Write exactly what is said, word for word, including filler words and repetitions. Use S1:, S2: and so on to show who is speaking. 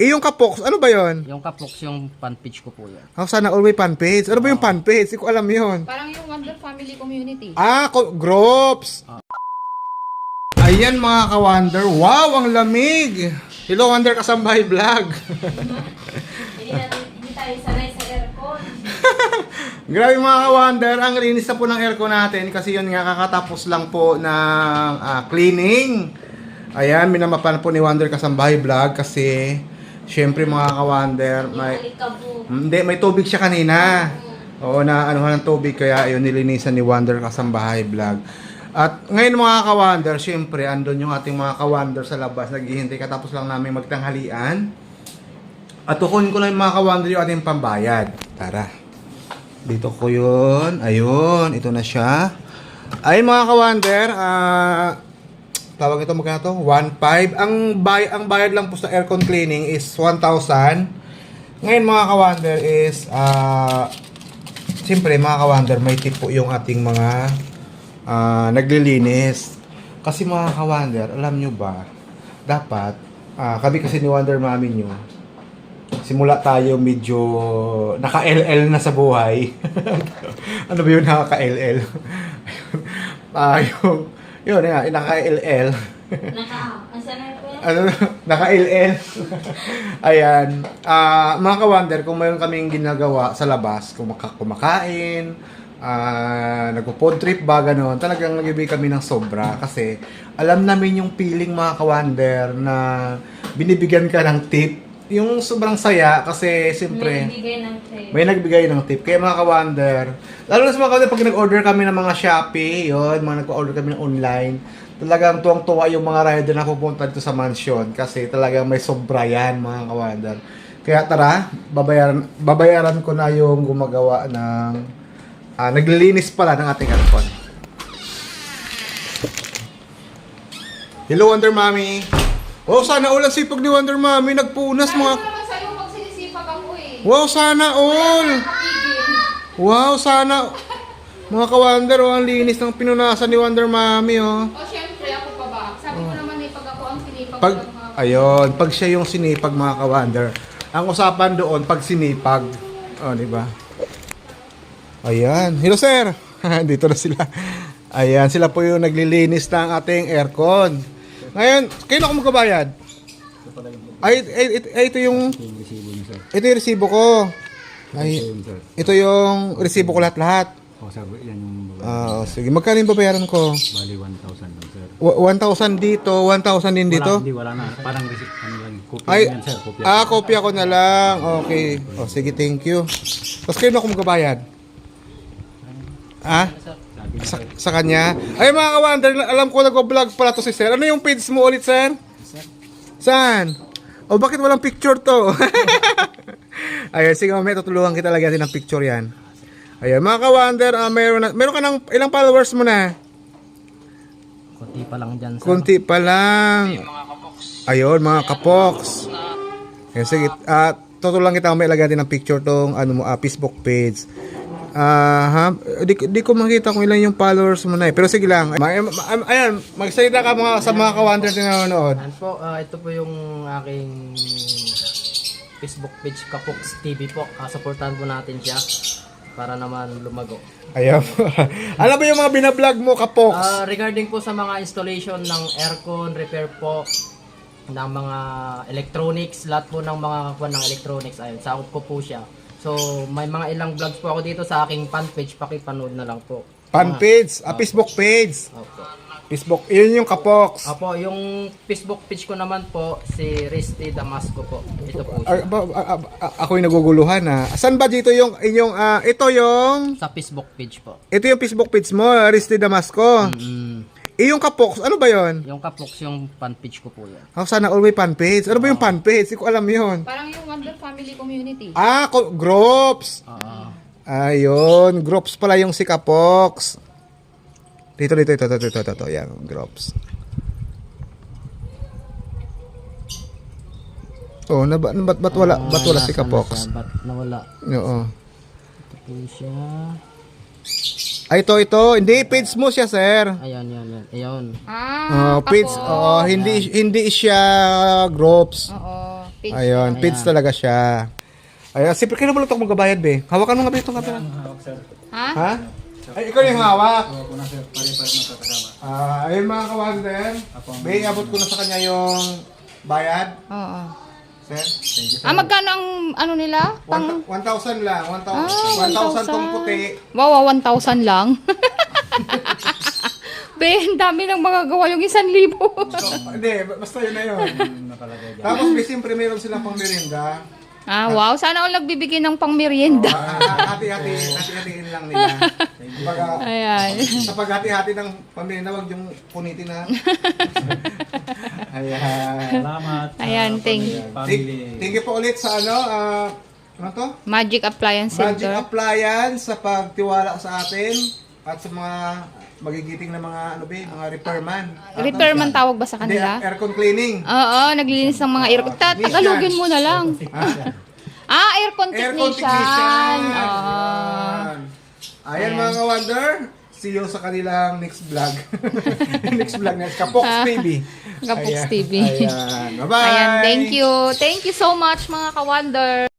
S1: Eh, yung kapoks, ano ba yon?
S2: Yung kapoks, yung fan page ko po yan.
S1: Oh, sana all may fan page. Ano ba yung fan page? Hindi ko alam yun.
S3: Parang yung Wonder Family Community.
S1: Ah, ko- groups. Ayan mga ka-Wonder. Wow, ang lamig. Hello, Wonder Kasambahay Vlog.
S3: Hindi natin, hindi tayo sanay sa aircon.
S1: Grabe mga ka-Wonder, ang linis na po ng aircon natin kasi yun nga kakatapos lang po ng ah, cleaning. Ayan, minamapan po ni Wonder Kasambahay Vlog kasi syempre mga ka-Wonder, may, hindi, may tubig siya kanina. Oo, na anuhan ng tubig kaya ayun nilinisan ni Wonder Kasambahay Vlog. At ngayon mga ka-Wonder, syempre andun yung ating mga ka-Wonder sa labas, naghihintay katapos lang namin magtanghalian. At tukunin ko lang yung mga ka-Wonder yung ating pambayad. Tara. Dito ko yun. Ayun, ito na siya. Ayun mga ka-Wonder, ah... tawag ito magkano to? one point five. Ang, bay ang bayad lang po sa aircon cleaning is one thousand. Ngayon mga ka-Wonder is, uh, siyempre mga ka-Wonder, may tip po yung ating mga uh, naglilinis. Kasi mga ka-Wonder, alam nyo ba, dapat, uh, kami kasi ni Wonder Mami nyo, simula tayo medyo naka-L L na sa buhay. Ano ba yun naka-L L? Ah, yung yun, yun, naka-L L.
S3: Naka, asa na po yan?
S1: Ano, naka-L L. Ayan. Ah, mga ka-Wonder, kung mayroon kaming ginagawa sa labas, kumaka kumakain, ah, nagpo-pod trip ba, gano'n, talagang nag-ibig kami ng sobra. Kasi, alam namin yung feeling mga ka-Wonder na binibigyan ka ng tip. Yung sobrang saya kasi siyempre
S3: May nagbigay ng tip.
S1: may nagbigay ng tip. Kaya mga ka-Wonder, lalo na sa mga ka-Wonder, pag nag-order kami ng mga Shopee, yun, mga nag-order kami ng online, talagang tuwang-tuwa yung mga rider na pupunta dito sa mansion kasi talagang may sobra yan mga ka-Wonder. Kaya tara, babayaran, babayaran ko na yung gumagawa ng ah, naglilinis pala ng ating aircon. Hello Wonder Mommy. Oh, sana all ang sipag ni Wonder Mommy. Nagpunas
S3: Sabi
S1: mga...
S3: ko naman sa'yo pag sinisipag ako eh.
S1: Wow, sana all!
S3: Kapigil.
S1: Wow, sana... Mga ka-Wonder, oh, ang linis ng pinunasan ni Wonder Mommy, oh.
S3: O syempre ako pa ba? Sabi ko naman eh pag ako ang sinipag
S1: Pag,
S3: ko ng mga...
S1: ayun, pag siya yung sinipag, mga ka-Wonder. Ang usapan doon, pag sinipag. Oh, di ba? Ayan. Hello, sir! Dito na sila. Ayan, sila po yung naglilinis ng ating aircon. Ngayon, kayo na ako magkabayad? Ay, ay, ay, ay, ito yung... Ito yung resibo ko. Ay, ito yung resibo ko lahat-lahat.
S4: O, sabi, yan yung babae.
S1: Ah, sige. Magkano yung babayaran ko?
S4: Bali, one thousand lang, sir.
S1: W- one thousand dito, one thousand din dito?
S4: Wala, hindi, wala na. Parang receipt, ano lang, kopya
S1: Ay,
S4: yan, sir. Kopya.
S1: ah, kopya ko na lang. Okay. O, sige, thank you. Tapos kayo na ako magkabayad? Ah? Sa, sa kanya? Ay, mga ka-Wonder, alam ko nag-vlog pala to si sir. Ano yung page mo ulit, sir? Saan? O, bakit walang picture to? Ayun, sige, mamaya tutulungan kita lagyan din ng picture yan. Ayun, mga ka-Wonder, uh, meron, na, meron ka ng ilang followers mo na?
S2: Kunti pa lang dyan, sir.
S1: Kunti pa lang. Ayun, mga kapoks. Ayun, sige, uh, tutulungan kita mamaya lagyan din ng picture tong ano mo, uh, Facebook page. Ah, uh, di, di ko makita kung ilan yung followers mo na eh. Pero sige lang. Ma- ma- ayan, magsalita ka mga, sa mga ka-Wonder na nanonood.
S2: Ayan po, ah, ito po yung aking Facebook page, Kapoks T V po. Uh, supportahan po natin siya para naman lumago.
S1: Ayan. Ano ba yung mga binablog mo, kapoks?
S2: Ah, regarding po sa mga installation ng aircon, repair po ng mga electronics, lahat po ng mga kakuha ng electronics, ayun, sakop ko po siya. So, may mga ilang vlogs po ako dito sa aking fan page, pakipanood na lang po.
S1: Fan page, ah, Facebook page.
S2: Opo.
S1: Facebook, yun yung kapoks.
S2: Opo, yung Facebook page ko naman po, si Risty Damasco po. Ito po
S1: Ah,
S2: siya.
S1: ba, ah, ah, ah, ako'y naguguluhan ha. Saan ba dito yung inyong, ah, ito yung,
S2: Sa Facebook page po.
S1: ito yung Facebook page mo, Risty Damasco.
S2: Mm,
S1: Eh, yung kapoks, ano ba yun?
S2: yung Kapoks, yung fan page ko po yan.
S1: Oh, sana all may fan page. Ano ba yung fan page? Hindi ko alam yun.
S3: Parang yung Wonder Family Community.
S1: Ah, ko- groups.
S2: Oo.
S1: Ayun, groups pala yung si Kapoks. Dito, dito, ito, ito, ito, ito, ito, yan, groups. Oh, na, ba- ba't, ba't wala, ba't wala si
S2: Nasaan na
S1: Kapoks?
S2: siya? Ba't nawala?
S1: Oo.
S2: Ito po siya.
S1: Ay, ito, ito. Hindi, page mo siya, sir.
S2: Ayan, yan, yan. Ayun.
S3: Ah,
S1: Oh, page,
S3: kapo.
S1: oh, hindi, hindi siya groups.
S3: Oo.
S5: Page.
S1: Ayun, page talaga siya. Ayun, siyempre kayo na itong magabayad, be. Hawakan mo nga, be, itong kapila.
S5: Ha?
S1: Ha? Ay, ikaw yung hawak.
S4: Ako po na sir, pare-pare na kasama.
S1: Ah, ayun mga kawander. Be, abot ko na sa kanya yung bayad.
S5: Oo.
S1: Sir?
S5: Ah, magkano ang ano nila? Pang...
S1: one thousand lang. one
S5: Ah,
S1: thousand. one thousand tong puti.
S5: Wow, one thousand lang. Be, ang dami nang magagawa yung isang libo.
S1: So, hindi, basta yun na yun.
S4: Nakalagay dyan.
S1: Tapos, be, siyempre meron silang pang merienda.
S5: Ah, wow. Sana all nagbibigay ng pang merienda.
S1: Ah, hati-hati, hati-hatiin lang nila. Kumbaga,
S5: Ayan.
S1: sa paghati-hati ng pamilya, wag yung punitin na. Ayan.
S4: Salamat. sa
S5: Ayan, thank you.
S4: Family.
S1: Thank you po ulit sa ano, ah, ano to?
S5: Magic Appliance
S1: Magic
S5: Center.
S1: Appliance sa pagtiwala sa atin at sa mga magigiting na mga ano ba, mga repairman.
S5: Repairman tawag ba sa
S1: Hindi,
S5: kanila?
S1: aircon cleaning.
S5: Oo, naglilinis ng mga aircon. Ta- Tagalogin mo na lang.
S1: Ha?
S5: Ah, aircon
S1: Aircon
S5: technician.
S1: technician.
S5: Oo.
S1: Ayan. Ayan mga ka-wonder. See you sa kanilang next vlog. Next vlog na Kapox T V.
S5: Kapox
S1: Ayan.
S5: T V.
S1: Ayan. Bye-bye.
S5: Ayan, thank you. Thank you so much mga ka-wonder.